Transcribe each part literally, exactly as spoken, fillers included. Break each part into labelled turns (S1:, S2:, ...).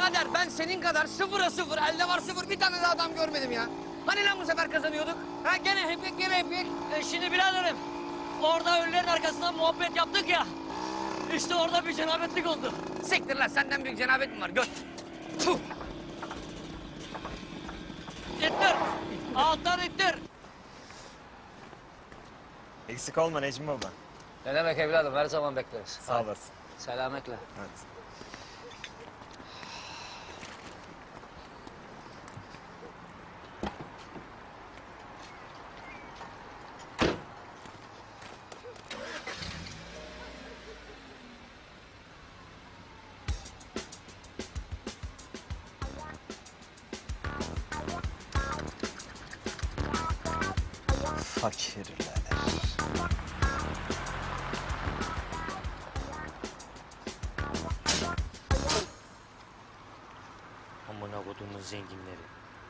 S1: birader ben senin kadar sıfıra sıfır, elde var sıfır bir tane de adam görmedim ya. Hani lan bu sefer kazanıyorduk? Ha gene hepik gene hepik.
S2: E şimdi biraderim, orada ölülerin arkasından muhabbet yaptık ya. İşte orada bir cenabetlik oldu.
S1: Siktir lan senden büyük cenabet mi var göt? Tuh.
S2: İttir, alttan ittir.
S3: Eksik olma Necmi baba.
S2: Ne demek evladım, her zaman bekleriz.
S3: Sağ olasın.
S2: Selametle.
S3: Evet. Fakirler.
S2: Amına kodumun zenginleri.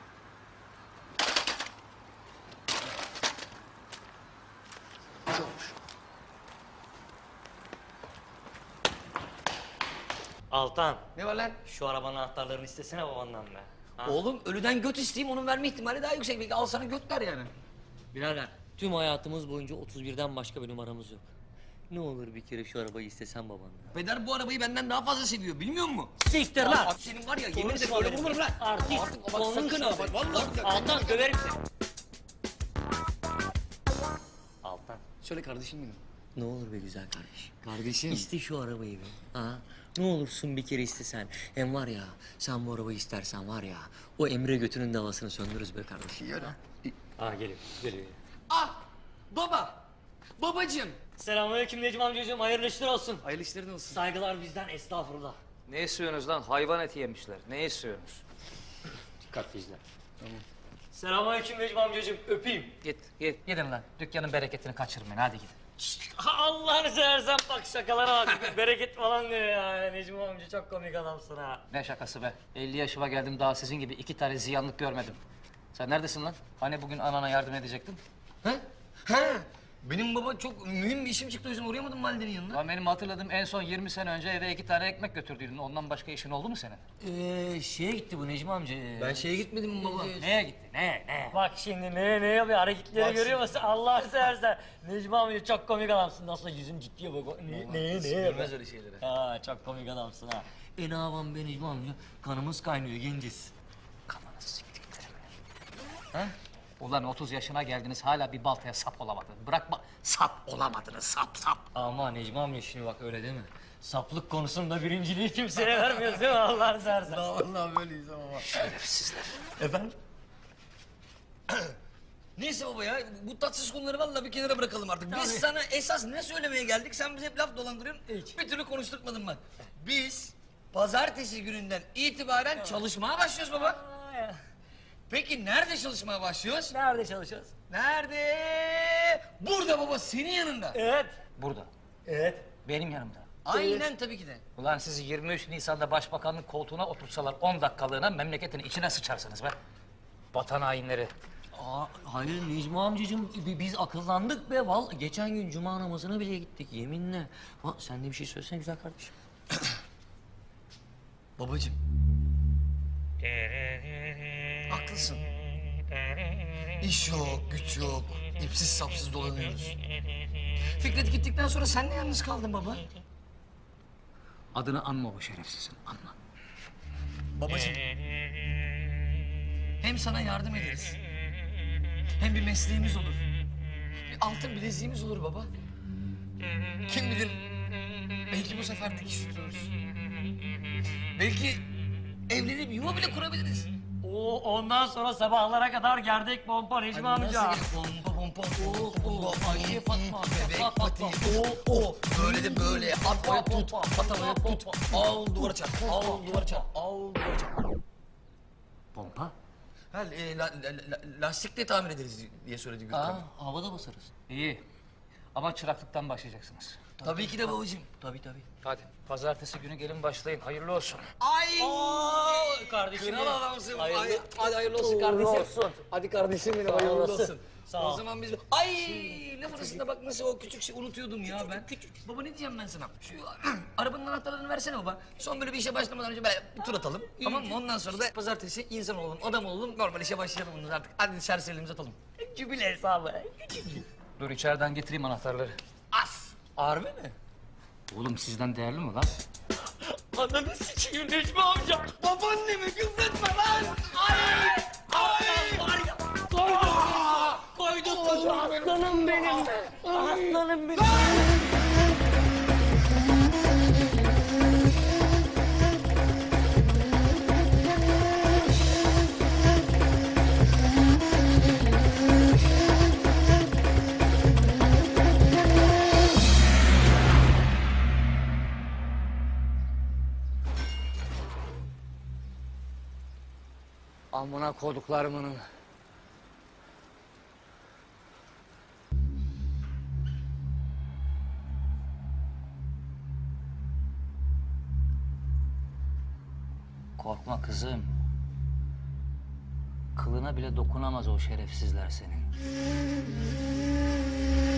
S2: Altan,
S1: Ne var lan?
S2: şu arabanın anahtarlarını istesene babandan be. Ha?
S1: Oğlum ölüden göt isteyeyim onun verme ihtimali daha yüksek. Belki al sana göt ver yani.
S2: Birader, tüm hayatımız boyunca otuz birden başka bir numaramız yok. Ne olur bir kere şu arabayı istesen babandan.
S1: Peder bu arabayı benden daha fazla seviyor bilmiyor musun?
S2: Siktir lan!
S1: Abi senin var ya yemin ederim
S2: Konuşma
S1: böyle
S2: benimle.
S1: vurur lan.
S2: Artist,
S1: Artık bak
S2: konuşma
S1: sakın ha.
S2: benimle.
S1: Vallahi bir
S2: Altan döverim seni. Altan.
S1: Söyle kardeşim benim.
S2: Ne olur be güzel kardeş.
S1: Kardeşim.
S2: İste şu arabayı be. Ha? Ne olursun bir kere istesen. Hem var ya, sen bu arabayı istersen var ya, o Emre götünün davasını söndürürüz be kardeşim.
S1: Yürü.
S2: Ha geliyor, geliyor.
S1: Ah baba. Babacığım.
S2: Selamünaleyküm Necmi amcacığım, hayırlı işler olsun.
S1: Hayırlı işlerin olsun.
S2: Saygılar bizden, estağfurullah.
S4: Ne istiyorsunuz lan? Hayvan eti yemişler. Ne istiyorsunuz?
S2: Dikkatli izle. Tamam. Selamünaleyküm Necmi amcacığım, öpeyim.
S4: Git, git. Gidin lan. Dükkanın bereketini kaçırmayın. Hadi gidin.
S2: Allah'ını seversen bak şakalara bak. Bereket falan diyor ya. Necmi amca çok komik adamsın ha.
S4: Ne şakası be? elli yaşıma geldim daha sizin gibi iki tane ziyanlık görmedim. Sen neredesin lan? Hani bugün anana yardım edecektin?
S1: Ha? Ha? Benim baba çok mühim bir işim çıktı o yüzden uğrayamadım validenin yanına.
S4: Lan benim hatırladığım en son yirmi sene önce eve iki tane ekmek götürdüydün. Ondan başka işin oldu mu senin?
S2: Ee, şeye gitti bu Necmi amca.
S1: Ben şeye gitmedim mi baba?
S4: Neye gitti? Ne? Ne?
S2: Bak şimdi ne ne yapıyor hareketleri
S1: Bak
S2: görüyor musun? Allah'ını seversen. Necmi amca çok komik adamsın. Nasıl yüzün ciddiye bak. Ne ne ne?
S1: Görmez öyle şeyleri.
S2: Ha çok komik adamsın ha. E ne yapalım be Necmi amca? Kanımız kaynıyor genciz.
S4: Kafanı siktiklerim. Ha? Ulan otuz yaşına geldiniz hala bir baltaya sap olamadınız. Bırakma sap olamadınız sap sap.
S2: Ama Necmi amca şimdi bak öyle değil mi? Saplık konusunda birinciliği kimseye vermiyoruz değil mi Allah'ını seversen?
S1: Vallahi böyleyiz ama.
S4: Şerefsizler.
S1: Efendim? Neyse baba ya, bu tatsız konuları vallahi bir kenara bırakalım artık. Biz
S2: Tabii.
S1: sana esas ne söylemeye geldik? Sen bize hep laf dolandırıyorsun.
S2: Hiç.
S1: Bir türlü konuşturtmadın bak. Biz pazartesi gününden itibaren çalışmaya başlıyoruz baba.
S2: Aa, ya.
S1: Peki nerede çalışmaya başlıyoruz?
S2: Nerede çalışıyoruz?
S1: Nerede? Burada baba, senin yanında.
S2: Evet.
S4: Burada.
S2: Evet.
S4: Benim yanımda.
S1: Aynen tabii ki de.
S4: Ulan sizi yirmi üç Nisan'da başbakanlık koltuğuna otursalar on dakikalığına memleketin içine sıçarsınız be. Vatan hainleri.
S2: Aa, hayır Necmi amcacığım bi- biz akıllandık be val. Geçen gün cuma namazına bile gittik yeminle. Ha, sen de bir şey söylesene güzel kardeşim.
S1: Babacığım. Haklısın. İş yok, güç yok. İpsiz sapsız dolanıyoruz. Fikret gittikten sonra sen de yalnız kaldın baba.
S4: Adını anma o şerefsizin, anma.
S1: Babacığım. Hem sana yardım ederiz. Hem bir mesleğimiz olur. Bir altın bileziğimiz olur baba. Kim bilir belki bu sefer dikiş tutuyoruz. Belki evlenip yuva bile kurabiliriz.
S2: Oo, ondan sonra sabahlara kadar gerdek pompa Necmi amca.
S1: Nasıl pompa pompa
S2: Oo, oo, Ayşe Fatma,
S1: bebek
S2: Fatma,
S1: pati
S2: Fatma.
S1: o o böyle de böyle at havaya tut at havaya tut al duvara çarp al duvara çarp al duvara çarp.
S4: Pompa?
S1: Ha, e, la, la, la, lastikle tamir ederiz diye söyledi Gürkan.
S2: Aa, havada basarız.
S4: İyi. Ama çıraklıktan başlayacaksınız.
S1: Tabii ki de babacığım.
S2: Tabii tabii.
S4: Hadi pazartesi günü gelin başlayın. Hayırlı olsun.
S1: Ay!
S2: kardeşim
S1: Kral
S2: benim.
S1: adamsın.
S2: Hayırlı-
S1: Ay, hadi hayırlı olsun
S2: Uğurlu
S1: kardeşim.
S2: olsun.
S1: Hadi kardeşim benim
S2: Sağ
S1: hayırlı
S2: olasın.
S1: olsun.
S2: Sağ
S1: O
S2: ol.
S1: zaman biz... Ay! Laf arasında bak nasıl o küçük şey unutuyordum ya ben. Küçük. Baba ne diyeceğim ben sana? Şu arabanın anahtarlarını versene baba. Son böyle bir işe başlamadan önce böyle bir tur atalım. Tamam mı? Ondan sonra da pazartesi insan olalım, adam olalım. Normal işe başlayalım bundan artık. Hadi serserilerimizi atalım. Cübile hesabı.
S4: Dur içeriden getireyim anahtarları.
S1: As!
S2: Harbi mi?
S4: Oğlum sizden değerli mi lan?
S1: Ananı sikeyim Necmi amca. Babaannemi küfretme lan. Ay! Ay! Var ya. Koydum. Koydum. Aslanım benim. Aslanım benim.
S4: Amına koduklarımın. Korkma kızım. Kılına bile dokunamaz o şerefsizler senin.